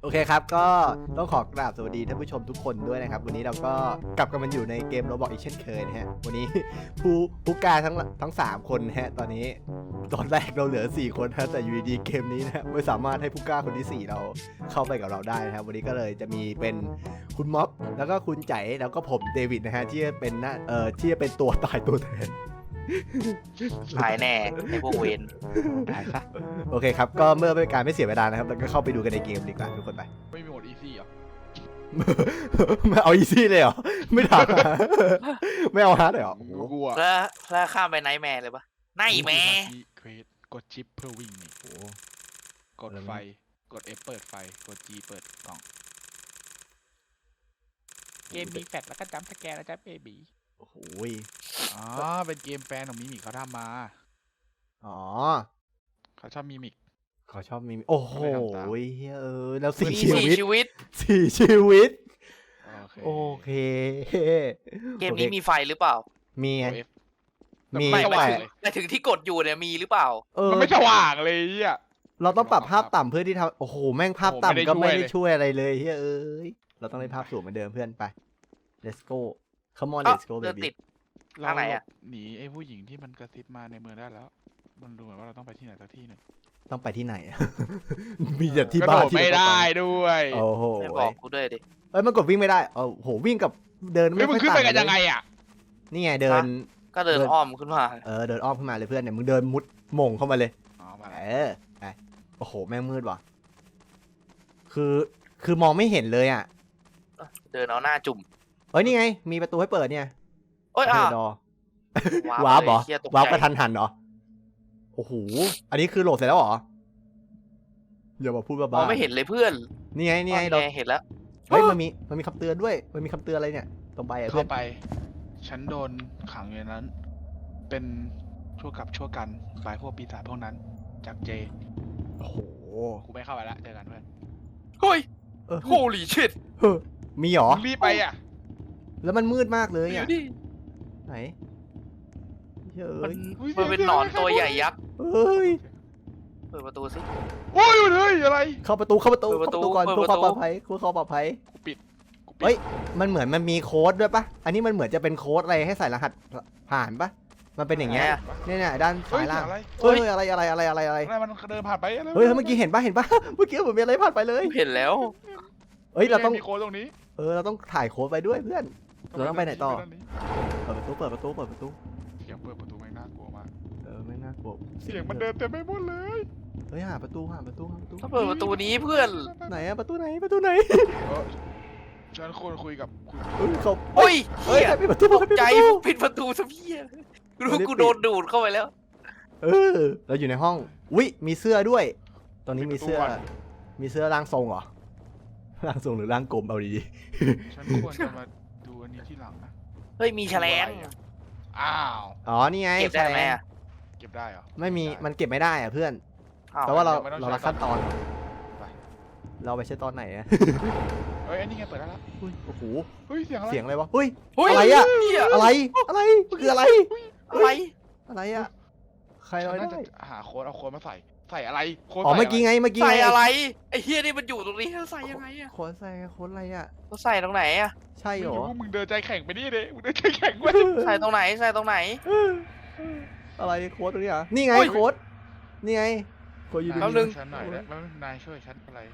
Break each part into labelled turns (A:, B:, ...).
A: โอเคครับก็ต้องขอกราบสวัสดีท่านผู้ชมทุกคนด้วยนะครับวันนี้เราก็กลับกันมาอยู่ในเกม Roblox อีกเช่นเคยนะฮะวันนี้ผู้กล้าทั้ง3คนนะฮะตอนนี้ตอนแรกเราเหลือ4คนนะแต่อยู่ดีๆเกมนี้นะฮะไม่สามารถให้ผู้กล้าคนที่4เราเข้าไปกับเราได้นะครับวันนี้ก็เลยจะมีเป็นคุณม็อบแล้วก็คุณใจแล้วก็ผมเดวิดนะฮะที่จะเป็นที่จะเป็นตัวตายตัวแทน
B: หายแน่ไอ้พวกเวน
A: ตายซะโอเคครับก็เมื่อเป็นการไม่เสียเวลานะครับเราก็เข้าไปดูกันในเกมดีกว่าทุกคนไป
C: ไม่มีโหมดอีซี่เหรอ
A: ไม่เอาอีซี่เลยเหรอไม่ถามไม่เอาฮาร์ดเลยเหรอโอ้โห
C: กูอะ
B: แล้วข้ามไปไนท์แมร์เลยปะไนท์แมร์
C: เควสกดชิปเพื่อวิ่งนี่
A: โอ้โห
C: กดไฟกด F เปิดไฟกด G เปิดกล่องเกมมีแฟลชแล้วก็จัมป์สแกนแล้วจ้าเบบี
A: โอ้โห
C: อ๋อเป็นเกมแฟนของมิมิเขาทำมา
A: อ๋อ
C: เขาชอบมิมิก
A: เขาชอบมีโอ้โห
C: ไม่ทำตาม
A: แล้ว
B: มี
A: 4 ชี
B: สี่
A: วิต
B: ชีวิต
A: 4 ชีวิต
C: โอเค
A: โอเค
B: เกมนี้มีไฟหรือเปล่า
A: มี
C: ก
A: ไง
C: ด F
A: มี
C: ไม่
A: แต่
B: แต่ถึงที่กดอยู่เนี่ยมีหรือเปล่า
C: มันไม่สว่างเลยอ่ะ
A: เราต้องปรับภาพต่ำเพื่อที่ทำโอ้โหแม่งภาพต่ำก็ไม่ได้
C: โอ้โหไม่ได้
A: ช่วยอะไรเลยเฮ้ยเราต้องเล่นภาพสูงเหมือนเดิมเพื่อนไป let's go come on
B: เอ้า
A: let's go
B: เดิน
A: baby
B: ติด
C: เรา
B: ทางไหนอะ
C: หนีไอ้ผู้หญิงที่มันกระซิบมาในเมืองได้แล้ว มันดูเหมือนว่าเราต้องไปที่ไหนสักที่หนึ่ง
A: ต้องไปที่ไหนอะ มีแต่ที่
C: กระ
A: บ้า
C: โด
A: น
C: ด
A: ที่
C: ไม่
A: เราต้อง
C: ได้
A: ไป
C: ด้วย
A: โอ้โห
B: ไม่บอกกูด้วยดิ
A: เอ้ยมันกดวิ่งไม่ได้โอ้โหวิ่งกับเดิน
C: เฮ้ยมึงขึ้นไปกันยังไงอ่ะ
A: นี่ไงเดิน
B: ก็เดินอ้อมขึ้นมา
A: เดินอ้อมขึ้นมาเลยเพื่อนเนี่ยมึงเดินมุดหม่งเข้ามาเลย
C: อ๋อมา
A: ไปโอ้โหแม่งมืดว่ะคือมองไม่เห็นเลยอ่ะ
B: เดินเอาหน้าจุ่ม
A: เอ้ยนี่ไงมีประตูให้เปิดเนี่ย
B: โอ้ย
A: เปิ
B: อ่ะ
A: ดดอ
B: ว้าว
A: ร์ปเหรอ
B: เหี้ยตกใจ
A: วาร์ปกระทันหันเหรอโอ้โหอันนี้คือโหลดเสร็จแล้วเหรออย่ามาพูด
B: ม
A: บ้า
B: องไม่เห็นเลยเพื่อน
A: นี่ไงนี่ไง
B: อ๋
A: เรา
B: อเห็นแล้ว
A: เฮ้ยมันมีคำเตือนด้วยมันมีคำเตือนอะไรเนี่ยตรงใบอ่ะเพื่
C: เข้า
A: อน
C: ไป ฉันโดนขังอยู่ในนั้น เป็นชั่วกับชั่วกันบายพวกปีศาจพวกนั้น จากเจ
A: โอ้โห
C: กูไม่เข้าไปละเจอกันเพื่อน
B: เฮ้ย
A: เออ
B: โฮลี่ชิต
A: เฮ้ยมีเหรอ
C: มึงรีบไปอ่ะ
A: แล้วมันมืดมากเลย
B: อยู่
A: อ่ะ
B: ดิ
A: ไหนเฮ้
B: มัน
A: ย
B: มันเป็นหนอนตัวใหญ่ยักษ์
A: เฮ้ย
B: เปิดประตูสิ
C: โอ้ยเฮ้ยอะไร
A: เข้าประตู
B: เปิดประตู
A: ก่อน
B: เปิด
A: เพื่อ
B: ประ
A: ความ
B: ตู
A: ปลอดภัยเพื่อความปลอดภัย
C: กูปิด
A: เฮ้ย มันเหมือนมันมีโค้ดด้วยปะอันนี้มันเหมือนจะเป็นโค้ดอะไรให้ใส่รหัสผ่านปะมันเป็นอย่างเงี้ยเนี่ยด้าน
C: เฮ้
A: ซ้าย ย
C: เสี
A: ล่าย ง
C: งอะไร
A: เฮ้ยอะไร
C: อะไรมันเดินผ่านไปอะไร
A: เฮ้ยเมื่อกี้เห็นปะเมื่อกี้เหมือนมีอะไรผ่านไปเลย
B: เห็นแล้ว
A: เฮ้ยเราต้อง
C: มีโค้ดตรงนี้
A: เราต้องถ่ายโค้ดไปด้วยเพื่อน เราต้องไปไหนต่อ
C: ด้านี้
A: เปิดประตู
C: เสียงเปิดประตูแม่งน่ากลัวมาก
A: ไม่น่ากลัว
C: เสียงมันเดินเต็มไปหมดเลย
A: เฮ้ยหาประตู
B: ต้องเปิดประตูนี้เพื่อน
A: ไหนอะประตูไหน
C: เออฉันควรคุยกับคุณ
A: เฮ้ยเขา
B: โอ้ย
A: เฮ้ย
B: เหี้ย
A: ใครปิดประตู
B: ตกใจปิดประตูซะพี่รู้กูโดนดูดเข้าไปแล้ว
A: เราอยู่ในห้องวิมีเสื้อด้วย ตอนนี้มีเสื้อร่างทรงเหรอร่างทรงหรือร่างกลมเอาดี
C: ฉันควรจะมาดูอันนี้ที่หลังนะ
B: เฮ้ยมีแฉลง
C: อ้าว
A: ๆอ๋อนี่ไง
B: เก็บได้ไหมอะ
C: เก็บได้เหรอ
A: ไม่มีมันเก็บไม่ได้อะเพื่อน
B: อ้าว
A: แต่ว่าเรา
C: ไม่ต้อง
A: เรา
C: ใช้
A: ละขั้นตอน
C: ไป
A: เราไปใช้ตอนไหนอะ
C: เฮ้ยอันนี้ไงเปิดได้แล้ว
A: อุ้ยโอ้โห
C: เฮ้ยเสียงอะไร
A: เสียงอะไรวะเฮ้ย
B: เฮ้ย
A: อะไรอะ
B: เหี้ย
A: อะไรคืออะไร
B: อะไร
A: อะไรอะใคร
C: ฉั
A: เอา
C: น
A: ได้
C: น่าจะหาโค้ดเอาโค้ดมาใส่อะไรโค้ด
A: อ๋อ
C: ใส่
A: เมื่อกี้ไง
B: ใส่อะไรไอ้เฮียนี่มันอยู่ตรงนี้ใส่ยังไงอะ
A: โค้ดใส่โค้ดอะไรอะ
B: เขาใส่ตรงไหนอะ
A: ใช่
C: ไม่
A: เหรอ
C: รู้มึงเดินใจแข็งไปนี่เด้มึงเดินใจแข็งไป
B: ใส่ตรงไหนใส่ตรงไหน
A: อะไรโค้ดตรงนี้อ่ะนี่ไง
B: โอ้ย
A: โค้ดนี่ไงโค้ดอยู่
B: แป๊บนึ
A: ดี
B: ง
C: ฉันหน่อยได้ไหมนายช่วยฉันอะไร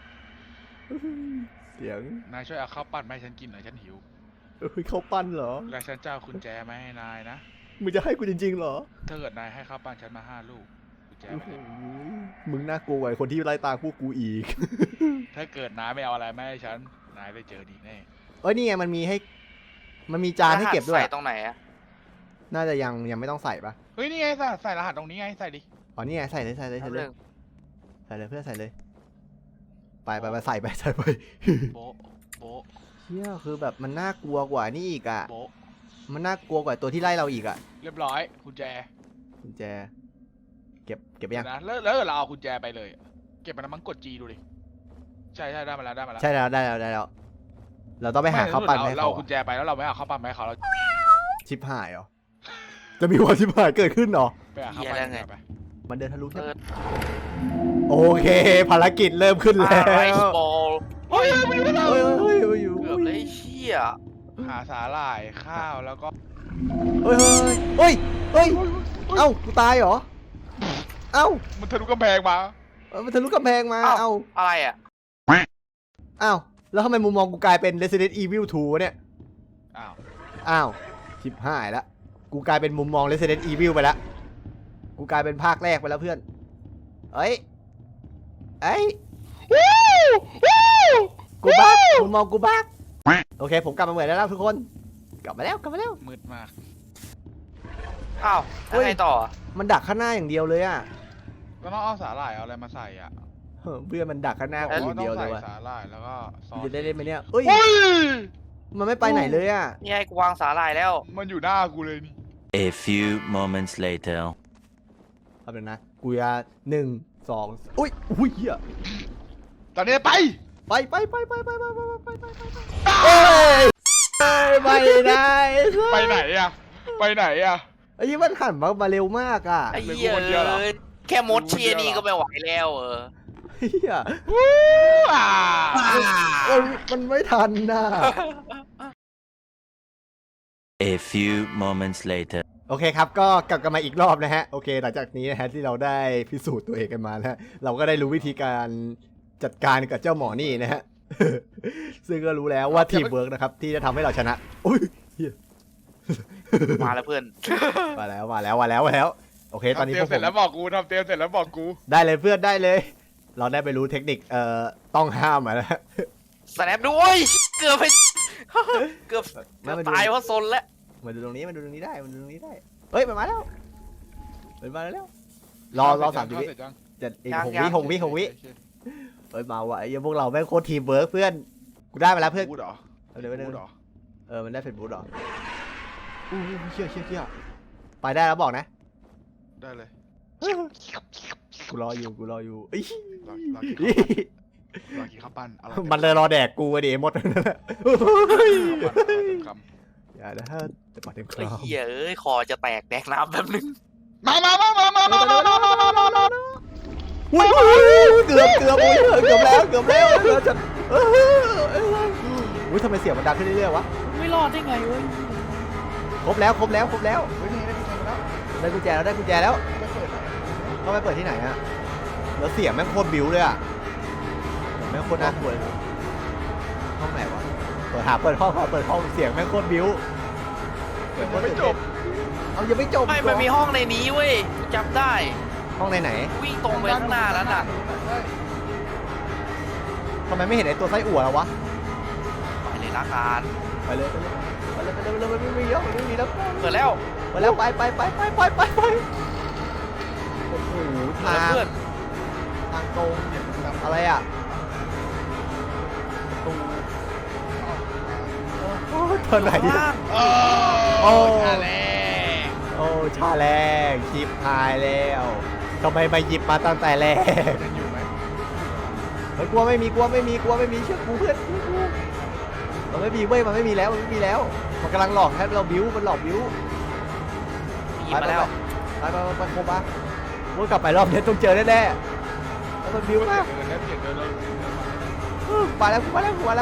A: เสียง
C: นายช่วยเอาข้าวปั้นมาให้ฉันกินหน่อยฉันหิว
A: เฮ้ยเขาปั้นเหรอ
C: และฉันจะเอากุญแจมาให้นายนะ
A: มึงจะให้กูจริงๆเหรอ
C: ถ้าเกิดนายให้ข้าวปั้นฉันมา5 ลูกกุญแจ
A: โอ้
C: มา
A: โห
C: ให้
A: มึงน่ากลัวกว่าไอ้คนที่ไล่ตามพวกกูอีก
C: ถ้าเกิดนายไม่เอาอะไรมาให้ฉัน นายได้เจอดีแน่
A: เอ้ยนี่ไงมันมีจานให้เก็บด้วย
B: ใส่ตรงไหนอะ
A: น่าจะยังไม่ต้องใส่ปะ
C: เฮ้ยนี่ไงใส่รหัสตรงนี้ไงใส่ดิ
A: อ๋อนี่ไงใส่เลย
B: แป๊บนึง
A: เพื่อนใส่เลยไปใส่ไป
C: โบะโบะ
A: เชี่ยคือแบบมันน่ากลัวกว่านี่อีกอ่ะ
C: โบะ
A: มันน่ากลัวกว่าตัวที่ไล่เราอีกอ่ะ
C: เรียบร้อยกุญแจ
A: กุญแจเก็บยัง
C: นะแล้วเราเอากุญแจไปเลย เก็บมันนะมั้งกด G ดูดิใช่ได้มาแล้วได้มาแล้ว
A: ใช่แล้วได้แล้วเราต้องไปหาข้าวปั้นให้
C: เรา
A: เขา
C: เอากุญแจไปแล้วเราไม่เอาข้าวปั้นมาให้เขาเรา
A: ชิบหายเหรอจะมีวันชิบหายเกิดขึ้นเหรอ
C: ไปหาข้าวปั้นให้เขาไป
A: มันเดินทะลุใช่
B: เปิ
A: ไหม
B: ด
A: โอเค ภารกิจเริ่มขึ้นแล้ว
B: ไรบอลย
C: หาสาหร่ายข้าวแล้วก็
A: เฮ้ยเฮ้ยเฮ้ยเอ้ากูตายเหรอเอ้า
C: มันทะลุกำแพงมา
A: มันทะลุกำแพงมาเอ้า
B: อะไรอ่ะ
A: อ้าวแล้วทำไมมุมมองกูกลายเป็น Resident Evil 2วะเนี่ย
C: อ้าว
A: อ้าวชิบหายละกูกลายเป็นมุมมอง Resident Evil ไปแล้วกูกลายเป็นภาคแรกไปแล้วเพื่อนเอ้ยกูบักมุมมองกูบักโอเคผมกลับมาเหมือนแล้วทุกคนกลับมาแล้ว
C: มืดมาก
B: อ้าวแล้วไงต่อ
A: มันดักข้างหน้าอย่างเดียวเลยอ่ะ
C: ก็ต้องเอาสาหร่ายเอาอะไรมาใส่อ่ะ
A: เพื่อนมันดักข้างหน้ากูอย่างเดียวเลยว่ะ
C: สาหร่ายแล้วก็ซอส
A: จะได้เล่นไหมเนี่ยเอ้ยมันไม่ไปไหนเลยอ่ะ
B: นี่ให้กูวางสาหร่ายแล้ว
C: มันอยู่หน้ากูเลยนี่
D: A few moments later.
A: เอาเป็นนะกูจะ1 2อุ้ยเหี้ย
C: ตอนนี้ไป
A: ไปเอ้ยไม่ได้
C: ไปไหนอ่ะ ไปไหนอ่ะ
A: ไอ้ยี่มันหันมาเร็วมากอ่ะ
B: ไอ้เหี้ย
C: เป็นกูคนเดียวเหรอ
B: แค่มดเชียร์นี่ก็ไม่ไหวแล้ว
A: เฮีย
C: อ่า
A: มันไม่ทันน่ะ
D: A few moments later.
A: โอเคครับก็กลับกันมาอีกรอบนะฮะโอเคหลังจากนี้นะฮะที่เราได้พิสูจน์ตัวเองกันมาแล้วเราก็ได้รู้วิธีการจัดการกับเจ้าหมอนี่นะฮะ ซึ่งก็รู้แล้วว่าทีมเวิร์กนะครับที่จะทำให้เราชนะอุ้ยเฮีย
B: มาแล้วเพื่อน
A: มาแล้วโอเคตอนนี้
C: ทำเตรี
A: พ
C: ยว
A: ก
C: เสร็จแล้วบอกกูทำเตรียมเสร็จแล้วบอกกู
A: ได้เลยเพื่อนได้เลย เราได้ไปรู้เทคนิคต้องห้ามมาแล้ว
B: สแนปด้วยเกือบไปเกือบ
A: ไม่มาดู
B: ตายเพราะซนแล้ว
A: มาดูตรงนี้ได้เฮ้ยมันมาแล้วรอ3 วิ
C: เสร็จยัง
A: จะอีก6 วิเฮ้ยมาว่ะไอ้พวกเราแม่งโคตรทีมเวิร์กเพื่อนกูได้มาแล้วเพื่อน
C: พูดเหรอ
A: เดี๋ยว
C: พูดเหรอ
A: มันได้เฟซบุ๊กหรออู้เชี่ยไปได้แล้วบอกนะ
C: ได้เลย
A: กูรออยู่เอ้ย
C: รอกินข้าวปั้นอร่อย
A: มันเลยรอแดกกูไอ้ดิหมด
C: ค
A: อย่านะจะปาดเต็มค
B: ไอ้
A: ราม
B: เหี้ยคอจะแตกแดกน้ำแป๊บนึง
C: ำมา
A: อุ้ยเกือบแล้วจะอุ้ยทำไมเสียงมันดังขึ้นเรื่อยๆวะ
B: ไม่รอดได้ไงเว้ย
A: ครบแล้ว
C: เฮ้ยนี่ได้กุญแจมาแล้ว
A: ได้กุญแจแล้ว
C: ไม่เปิดหรอ
A: เขาไปเปิดที่ไหนอะแล้วเสียงแม่งโคตรบิ้วเลยอะแม่งโคตรน่ากลัวเลยห้องไหนวะเปิดห้องเสียงแม่งโคตรบิ้ว
C: ยังไม่จบ
A: เอายังไม่จบ
B: ไม่มันมีห้องในนี้เว้ยจำได้
A: ห้องไหน
B: วิ่งตรงไปข้างหน้าแล้วน่ะ
A: ทำไมไม่เห็นไอ้ตัวไส้อั่วแล้ววะ
B: ไปเลยละกัน
A: ไปเลยไม่มีแล้ว
B: เปิดแล้ว
A: ไปโอ้โหทาง
B: เพื่อน
A: ทางตรงอะไรอะตรงเธอไหนอะ
C: โอ้ชาแล
A: โอ้ชาแรงชิปหายแล้วทำไมมาหยิบมาตั้งแต่แรก
C: ยังอยู่ไหม
A: กลัวไม่มีเชื่อกูเพื่อนมันไม่มีเว้ยมันไม่มีแล้วมันกำลังหลอกให้เราบิ้วมันหลอกบิ้ว
B: หยิบมาแล้ว
A: ไปโคบ้าวนกลับไปรอบนี้ต้องเจอแน่ๆแล้วมันบิ้วมาก
C: เดินแล้ว
A: มาแล้วกู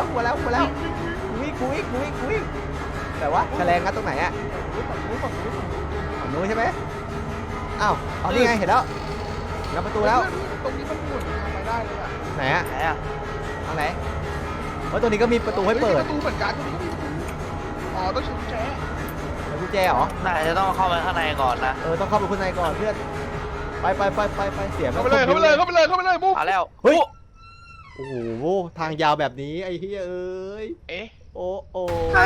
A: วิ่งแต่ว่าแฉลงงัดตรงไหนอะฝั่งนู้นใช่ไหมอ้าวเอานี่ไงเห็นแล้วงัดประตูแล้ว
C: ตรงนี้มันหมุนทางไปได้เลยอ่ะ
A: ไหนอะ
B: ไหนอ่ะ
A: ทางไหนเพราะตัวนี้ก็มีประตูให้เปิด
C: ประตูเหมือนกันตรงนี้ก็มีประตูอ๋อต้องใช้กุญแจ
A: แล้วกุญแจเหรอ
B: น่าจะต้องเข้าไปข้างในก่อนนะ
A: ต้องเข้าไปข้างในก่อนเพื่อนไปเสียง
C: เข้าไปเลยมุก
B: เอาแล้ว
A: เฮ้ยโอ้โหทางยาวแบบนี้ไอ้เฮ้ยเอ้ย
C: เอ๊ะ
A: โอ้โห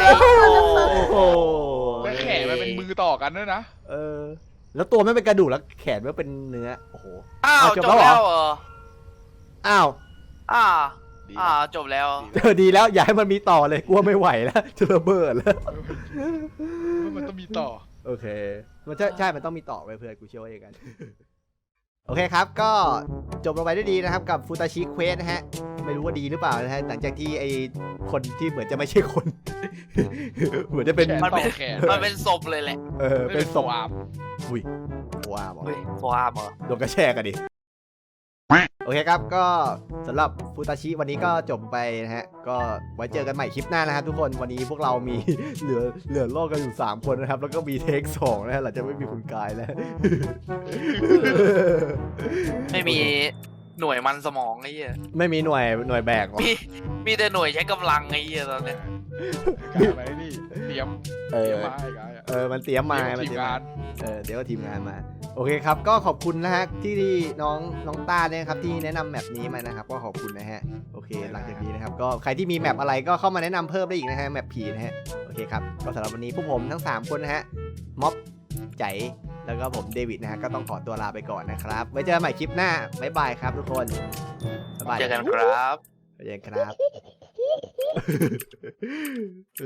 C: แล้วแขนมันเป็นมือต่อกันด้วยนะ
A: แล้วตัวไม่เป็นกระดูกแล้วแขนไม่เป็นเนื้อโอ้โห
B: อ้าว
A: เอา
B: จ
A: จ
B: บบ
A: แล้วเหรอ
B: แล้วเหรอ
A: อ้าว
B: จบแล้ว
A: ดีแล้วอย่าให้มันมีต่อเลยกลัวไม่ไหวแล้วจะระเบิดแล้ว
C: มันต้องมีต่อ
A: โอเคมันใช่มันต้องมีต่อไปเพื่อนกูเชื่อว่าอย่างนั้น โอเคครับก็จบลงไปด้วยดีนะครับกับฟูตาชิเควสนะฮะไม่รู้ว่าดีหรือเปล่านะฮะหลังจากที่ไอคนที่เหมือนจะไม่ใช่คน เหมือนจะเป็น
B: มันเป็น
C: แขน
B: มันเป็นศพเลยแหละ
A: เป็นศพ
C: อาบ
A: อุ้ยว้าว
B: เฮ้ยโฟอาร์มเหรอ
A: โดนกระแชกกันดิโอเคครับก็สำหรับฟูตาชิวันนี้ก็จบไปนะฮะก็ไว้เจอกันใหม่คลิปหน้านะครับทุกคนวันนี้พวกเรามี เหลือโลกกันอยู่3คนนะครับแล้วก็มีเทค2นะฮะหลังจากไม่มีคุณกายแล้ว
B: ไม่มีหน่วยมันสมองไอ้เหี้ย
A: ไม่มีหน่วยแบกหรอ
B: มีแต่หน่วยใช้กำลังไอ้เหี้ยตอนเนี้ย
C: กายอะไรนี่เตรียม
A: เออ
C: มาไอ้กายอะ
A: มันเตรียมมา
C: เตรียมทีมงาน
A: เดี๋ยวก็ทีมงานมาโอเคครับก็ขอบคุณนะฮะที่น้องต้าเนี่ยครับที่แนะนำแมปนี้มานะครับก็ขอบคุณนะฮะโอเคหลังจากนี้นะครับก็ใครที่มีแมปอะไรก็เข้ามาแนะนำเพิ่มได้อีกนะฮะแมปผีนะฮะโอเคครับก็สำหรับวันนี้พวกผมทั้ง3คนนะฮะม็อบใจแล้วก็ผมเดวิดนะฮะก็ต้องขอตัวลาไปก่อนนะครับไว้เจอกันใหม่คลิปหน้าบ๊ายบายครับทุกคนบ๊ายบาย
B: เจอกันครับ
A: เจอกันครับ